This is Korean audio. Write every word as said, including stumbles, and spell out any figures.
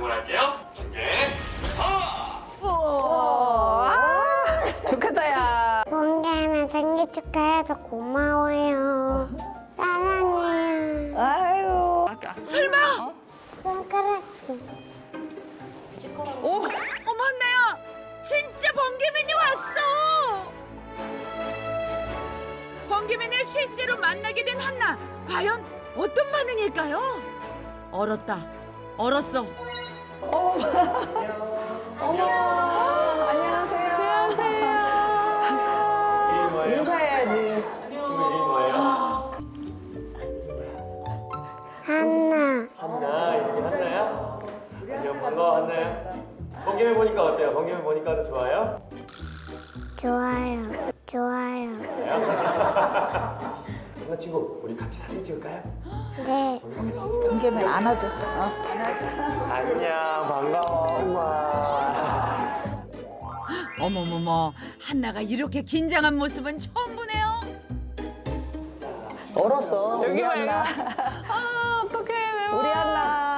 해보도록 할게요. 번개 파! 좋겠다, 야. 번개는 생일 축하해서 고마워요. 사랑해요. 아유. 설마? 손가락 좀. 오, 어머 한나야, 진짜 번개맨이 왔어. 번개맨을 실제로 만나게 된 한나, 과연 어떤 반응일까요? 얼었다, 얼었어. 안녕하세요. 안녕하세요. 인사해야지. 친구 이름이 뭐예요? 한나. 한나, 이름이 한나야? 안녕, 반가워, 한나야. 번개맨 보니까 어때요? 번개맨 보니까 더 좋아요? 좋아요. 좋아요. 한나 친구, 우리 같이 사진 찍을까요? 네. 번개맨 안아줘. 어. 안녕, 반가워, 우와. 어머머머, 한나가 이렇게 긴장한 모습은 처음 보네요. 얼었어. 우리 한나. 아, 어떡해. 우리 한나.